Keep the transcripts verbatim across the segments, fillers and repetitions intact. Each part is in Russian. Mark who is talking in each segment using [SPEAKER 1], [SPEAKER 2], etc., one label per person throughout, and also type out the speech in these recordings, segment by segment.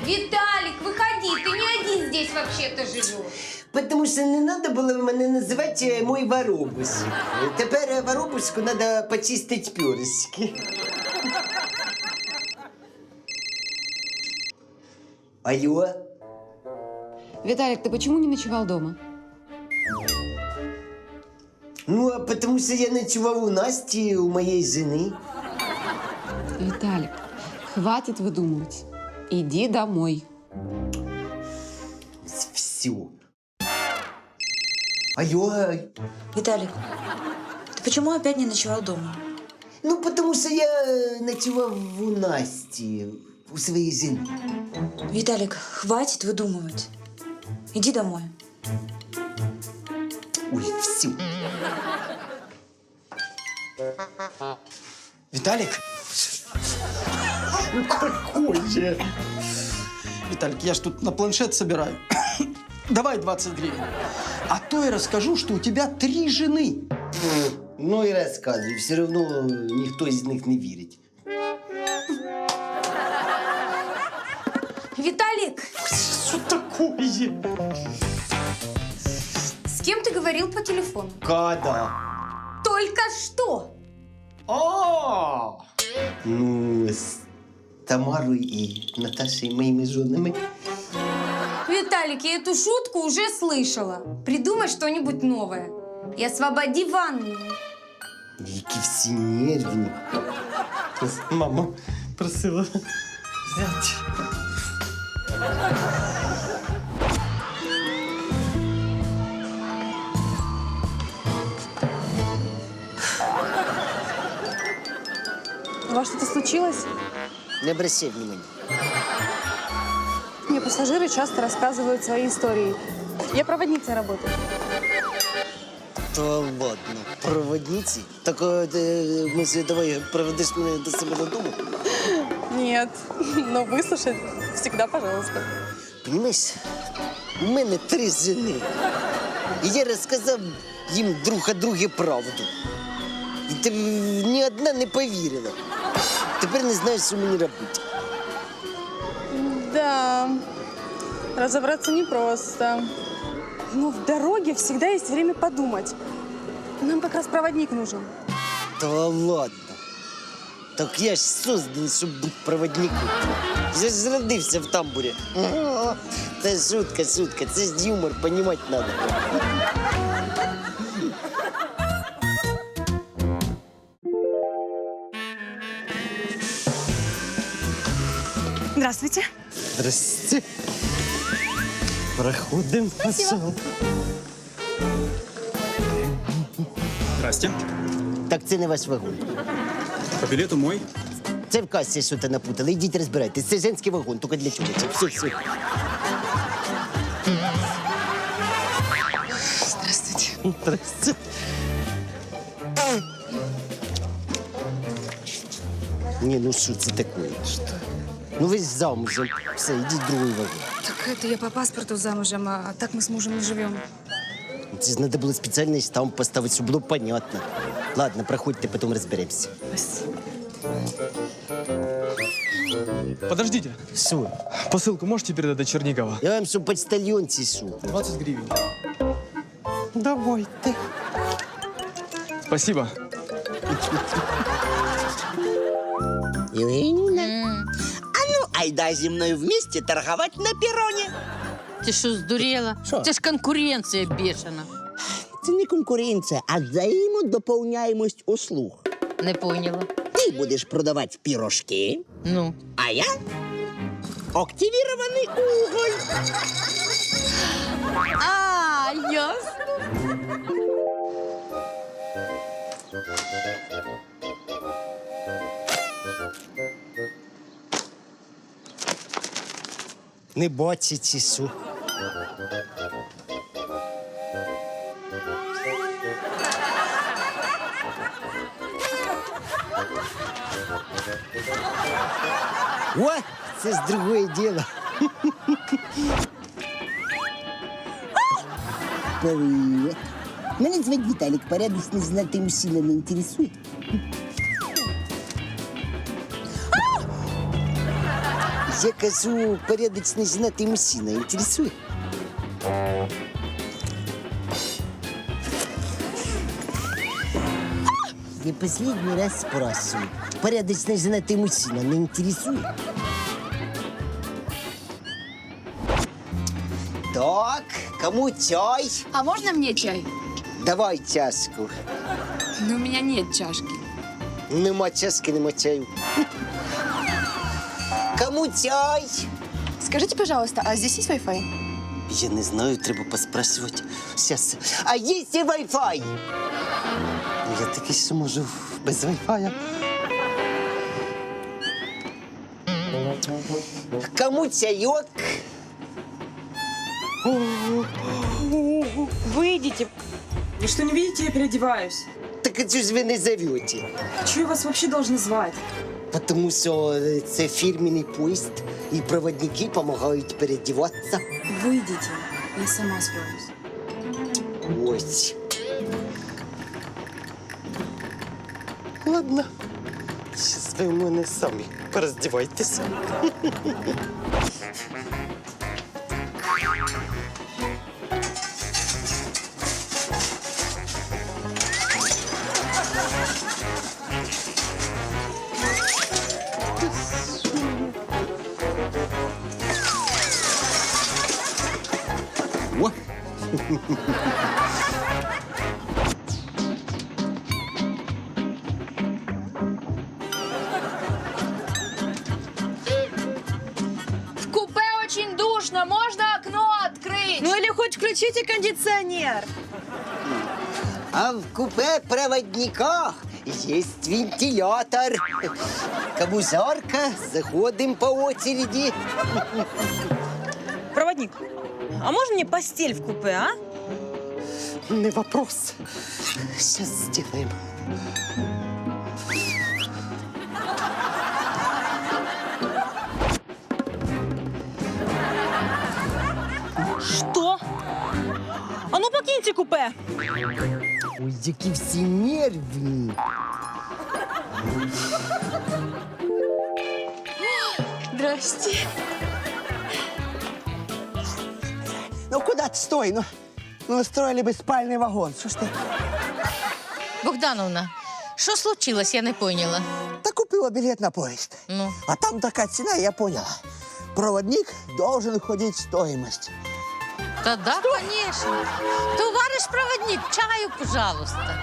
[SPEAKER 1] Виталик, выходи, ты не один здесь вообще-то живешь.
[SPEAKER 2] Потому що не треба було мене називати мой воробусик. Тепер воробусику треба почистити пюрочки. Алло?
[SPEAKER 3] Виталик, ты почему не ночевал дома?
[SPEAKER 2] Ну, а потому що я ночував у Насті, у моєї жени.
[SPEAKER 3] Виталик, хватит выдумывать. Иди домой.
[SPEAKER 2] Все. Алло?
[SPEAKER 4] Виталик, ты почему опять не ночевал дома?
[SPEAKER 2] Ну, потому що я ночував у Насті, у своїй жени.
[SPEAKER 4] Виталик, хватит выдумывать. Иди домой.
[SPEAKER 2] Ой, все.
[SPEAKER 5] Виталик?
[SPEAKER 2] Ну, какой же?
[SPEAKER 5] Виталик, я ж тут на планшет собираю. Давай двадцать гривен. А то я расскажу, что у тебя три жены.
[SPEAKER 2] Ну і розказуй, все одно ніхто з них не вірить.
[SPEAKER 1] Виталик,
[SPEAKER 2] Що такое?
[SPEAKER 1] с кем ты говорил по телефону?
[SPEAKER 2] Когда?
[SPEAKER 1] Только что.
[SPEAKER 2] А! Ну, з Тамарою і Наташею, моїми жонами.
[SPEAKER 1] Виталик, я эту шутку уже слышала. Придумай что-нибудь новое. И освободи ванную.
[SPEAKER 2] Які всі нервні. Мама просила взяти.
[SPEAKER 6] У вас что-то случилось?
[SPEAKER 2] Не обращай внимания.
[SPEAKER 6] Мне пассажиры часто рассказывают свои истории. Я проводницей работаю.
[SPEAKER 2] Та ладно, проводниці? Так е, е, ми ж давай проведеш мене до себе додому.
[SPEAKER 6] Нет, но выслушать всегда пожалуйста.
[SPEAKER 2] Понимаєш, у мене три жени. І я розказав їм друг о друге правду. І ти ні одна не повірила. Тепер не знаю, що мені робити.
[SPEAKER 6] Да, разобраться непросто. Но в дороге всегда есть время подумать. Нам как раз проводник нужен.
[SPEAKER 2] Та ладно. Так я ж созданий, щоб бути проводником. Я ж родився в тамбурі. Та шутка, шутка. Це ж юмор, понімати треба.
[SPEAKER 6] Здравствуйте.
[SPEAKER 2] Здрасте. Проходим. Спасибо.
[SPEAKER 7] Здрасте.
[SPEAKER 2] Так це не ваш вагон.
[SPEAKER 7] По билету мой.
[SPEAKER 2] Це в касі щось напутали. Ідіть розбирайтесь. Це женський вагон, тільки для чого це? Все, все.
[SPEAKER 3] Здравствуйте.
[SPEAKER 2] Здрасте. Ні, ну що це таке? Що? Ну ви ж замужем. Все, ідіть в другий вагон.
[SPEAKER 4] Так это я по паспорту замужем, а так мы с мужем не живем.
[SPEAKER 2] Це ж треба було спеціальний штамп поставити, щоб було понятно. Ладно, проходьте, потім розберемося.
[SPEAKER 4] Спасибо.
[SPEAKER 7] Подождите.
[SPEAKER 2] Що?
[SPEAKER 7] Посылку можете передать до Чернигова?
[SPEAKER 2] Я вам що, почтальон чи що?
[SPEAKER 7] двадцать гривен.
[SPEAKER 2] Давайте.
[SPEAKER 7] Спасибо.
[SPEAKER 8] Євгенівна, а ну, айда зі мною вместе торговать на перроне.
[SPEAKER 9] Ти що, здуріла?
[SPEAKER 8] Що?
[SPEAKER 9] Це ж конкуренція бешена.
[SPEAKER 8] Це не конкуренція, а взаємодоповняємость услуг.
[SPEAKER 9] Не поняла.
[SPEAKER 8] Ти будеш продавати пірожки,
[SPEAKER 9] Ну.
[SPEAKER 8] а я активірований уголь.
[SPEAKER 9] А, ясно.
[SPEAKER 2] Не бачите, чи що? О, це ж другое діло.
[SPEAKER 8] Привіт. Мене звати Віталік, порядочний знатий мужчина не інтересує.
[SPEAKER 2] Я кажу, порядочный женатый мужчина. Интересует? Я последний раз спрашиваю. Порядочный женатый мужчина не интересует? Так, кому чай?
[SPEAKER 10] А можно мне чай?
[SPEAKER 2] Давай чашку.
[SPEAKER 10] Но у меня нет чашки.
[SPEAKER 2] Нема чашки, нема чаю. Кому чай?
[SPEAKER 10] Скажите, пожалуйста, а здесь есть Wi-Fi?
[SPEAKER 2] Я не знаю, треба поспрашивати. Сейчас. А є і Wi-Fi? Я таки що можу без Wi-Fi. Кому чайок?
[SPEAKER 6] Выйдите. Вы что, не видите, я переодеваюсь?
[SPEAKER 2] Так а чого ж ви не зовете?
[SPEAKER 6] Чего я вас вообще должна звать?
[SPEAKER 2] Тому що це фірменний поїзд, і проводники допомагають переодіватися.
[SPEAKER 6] Выйдите, я сама справлюсь.
[SPEAKER 2] Ось. Ладно. Зараз ви в мене самі пороздівайтеся.
[SPEAKER 7] О,
[SPEAKER 10] В купе очень душно, можно окно открыть?
[SPEAKER 6] Ну или хоть включите кондиционер.
[SPEAKER 2] А в купе проводника есть вентилятор. Кому жарко, заходим по очереди.
[SPEAKER 6] Проводник, а можно мне постель в купе, а?
[SPEAKER 2] Не вопрос. Сейчас сделаем.
[SPEAKER 6] Что? А ну покиньте купе.
[SPEAKER 2] Ой, які всі нервні.
[SPEAKER 10] Здрасте.
[SPEAKER 8] Ну куда ты стой? Ну, ну устроили бы спальный вагон. Что ж ты?
[SPEAKER 9] Богдановна, що случилось, я не поняла.
[SPEAKER 8] Да купила билет на поезд.
[SPEAKER 9] Ну,
[SPEAKER 8] А там такая цена, я поняла. Проводник должен входить в стоимость.
[SPEAKER 9] та да, конечно. Товарищ проводник, чаю, пожалуйста.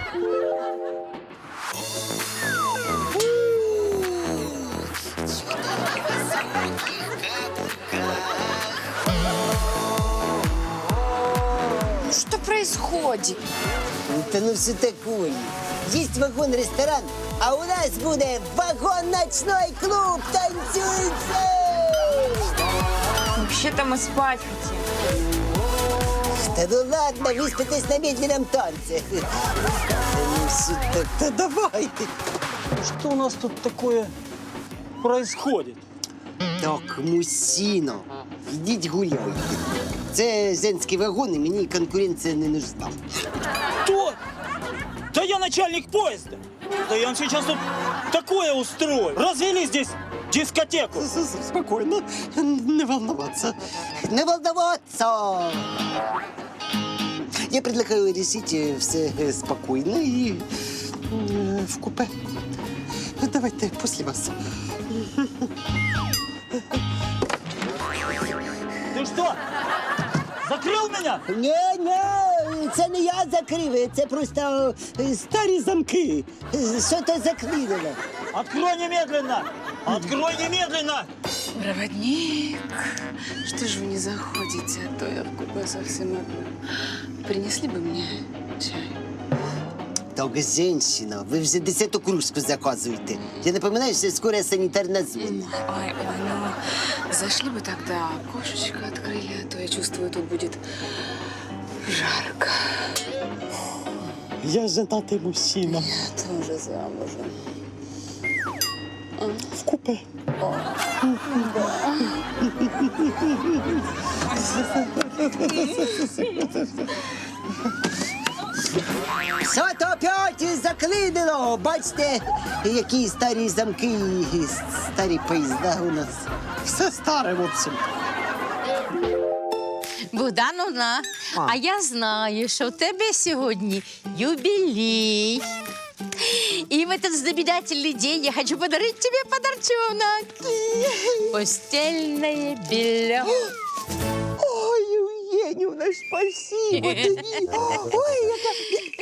[SPEAKER 10] Что происходит?
[SPEAKER 2] Та ну все такое. Есть вагон-ресторан, а у нас буде вагон-ночной клуб. Танцуйте!
[SPEAKER 6] Вообще-то мы спать хотим.
[SPEAKER 2] Да ну ладно, выспитесь на медленном танце. Да ну все так, да давайте.
[SPEAKER 5] Что у нас тут такое происходит?
[SPEAKER 2] Так, мужчина, ідіть гуляйте. Це женський вагон, і мені конкуренція не нужна.
[SPEAKER 11] Кто? Да я начальник поезда. Да я вам сейчас тут такое устрою. Развели здесь дискотеку.
[SPEAKER 2] Спокойно, не волноваться. Не волноваться! Я предлагаю решить э, все э, спокойно и э, в купе. Давайте после вас.
[SPEAKER 11] Ты что? Закрыл меня?
[SPEAKER 2] Ні, ні, це не я закрив, це просто е, старі замки. Е, Що то заклинило?
[SPEAKER 11] Открой немедленно! Открой немедленно!
[SPEAKER 10] Проводник, что же вы не заходите, а то я в купе совсем одна. Принесли бы мне чай.
[SPEAKER 2] Так, женщина, ви вже десяту кружку заказуєте. Я напоминаю, що скоро санітарна зона.
[SPEAKER 10] Ой, ой, ну, зашли бы тогда, окошечко открыли, а то я чувствую, тут будет жарко.
[SPEAKER 2] Я женатий мужчина.
[SPEAKER 10] Я тоже замужем.
[SPEAKER 2] В купе. Що-то опять заклинило. Бачите, які старі замки, старі поїзда у нас. Все старе, в общем.
[SPEAKER 9] Богдановна,
[SPEAKER 2] А.
[SPEAKER 9] а я знаю, що в тебе сьогодні юбилей. И в этот знаменательный день я хочу подарить тебе подарчонок. Постельное белье.
[SPEAKER 2] Ой, Євгенівна, спасибо тобі. Ой, яка...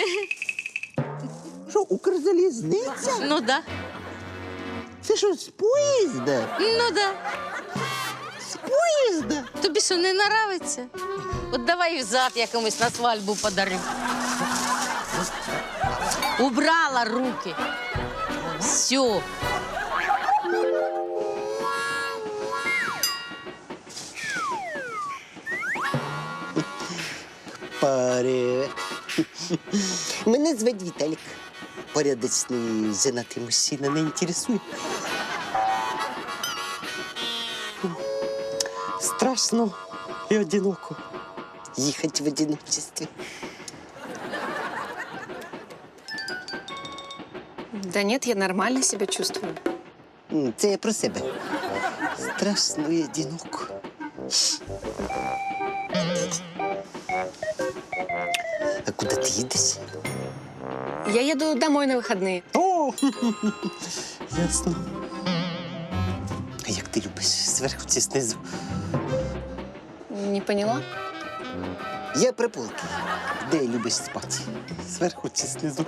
[SPEAKER 2] Що, Укрзалізниця?
[SPEAKER 9] Ну да,
[SPEAKER 2] Це що, з поїзда?
[SPEAKER 9] ну да.
[SPEAKER 2] З поїзда?
[SPEAKER 9] Тобі що, не нравиться? От давай взад я комусь на свадьбу подарю. Убрала руки. Все.
[SPEAKER 2] Паре. Мене звати Віталік. Порядочний женатий мужчина не інтересує. Страшно і одиноко їхати в одиночестві.
[SPEAKER 10] Да нет, я нормально себя чувствую.
[SPEAKER 2] М, Це я про себе. Страшно і одиноко. А куди ти їдеш?
[SPEAKER 10] Я еду домой на выходные.
[SPEAKER 2] О, ясно. А як ти любиш зверху чи знизу?
[SPEAKER 10] Не поняла?
[SPEAKER 2] Я при полки. Де любиш спати? Зверху чи знизу?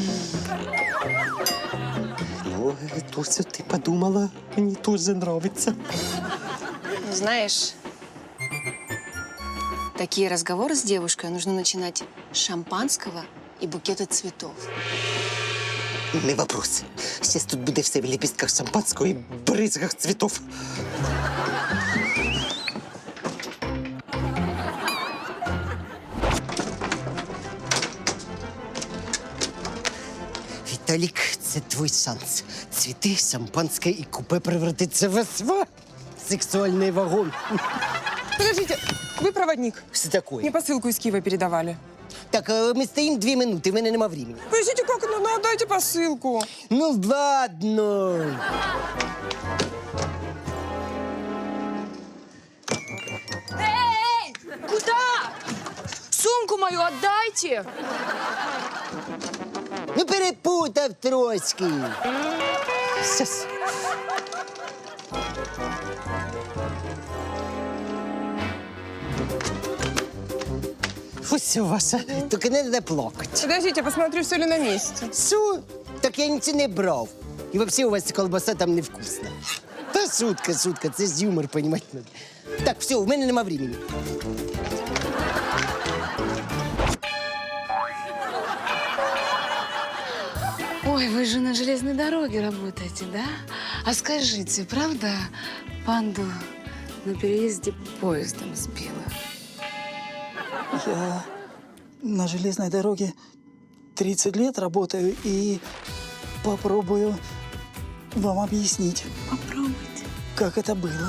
[SPEAKER 2] Ну, то, що ти подумала, мені теж нравиться.
[SPEAKER 10] Знаешь, такие разговоры с девушкой нужно начинать с шампанского и букета цветов.
[SPEAKER 2] Не вопрос. Зараз тут буде все в лепістках шампанського і бризгах цвітов. Віталік, це твій шанс. Цвіти, шампанське і купе превратиться в СВ. Сексуальний вагон.
[SPEAKER 6] Подождите, вы проводник.
[SPEAKER 2] Що таке?
[SPEAKER 6] Мне посылку из Киева передавали.
[SPEAKER 2] Так, е, ми стоїмо дві минути, в мене нема времени.
[SPEAKER 6] Подождите, как? Ну, ну отдайте посылку.
[SPEAKER 2] Ну ладно.
[SPEAKER 6] Куда? Сумку мою отдайте.
[SPEAKER 2] Ну перепутав трошки. Щас. Ось ваша. Тільки не треба плакати.
[SPEAKER 6] Подождите, посмотрю, все ли на месте.
[SPEAKER 2] Що? Так я нічого не брав. І взагалі у вас колбаса там невкусна. Та шутка, шутка, це ж юмор, понімати надо. Так, все, у мене нема времени.
[SPEAKER 10] Ой, вы же на железной дороге работаете, да? А скажите, правда, панду на переезде поездом сбила?
[SPEAKER 11] Я на железной дороге тридцать лет работаю и попробую вам объяснить,
[SPEAKER 10] Попробуйте.
[SPEAKER 11] как это было.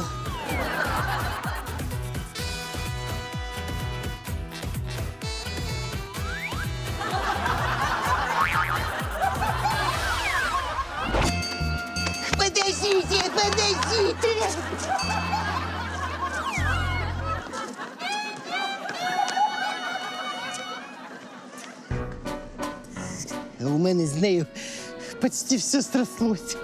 [SPEAKER 2] Подождите, подождите! А у мене з нею почти все срослось.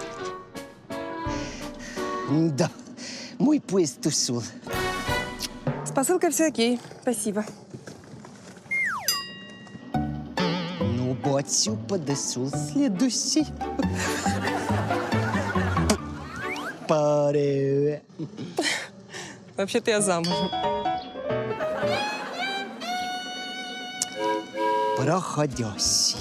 [SPEAKER 2] Да, мой поезд ушел.
[SPEAKER 6] С посылкой все окей. Спасибо.
[SPEAKER 2] Ну, бачу, подошел следующий. Паре.
[SPEAKER 6] Вообще-то я замужем.
[SPEAKER 2] Проходящий.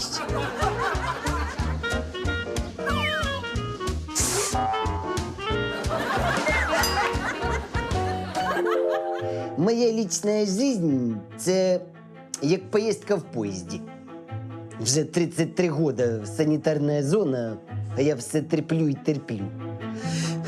[SPEAKER 2] Моя лічна жизнь – це як поїздка в поїзді. Вже тридцять три года санітарна зона, а я все терплю і терплю.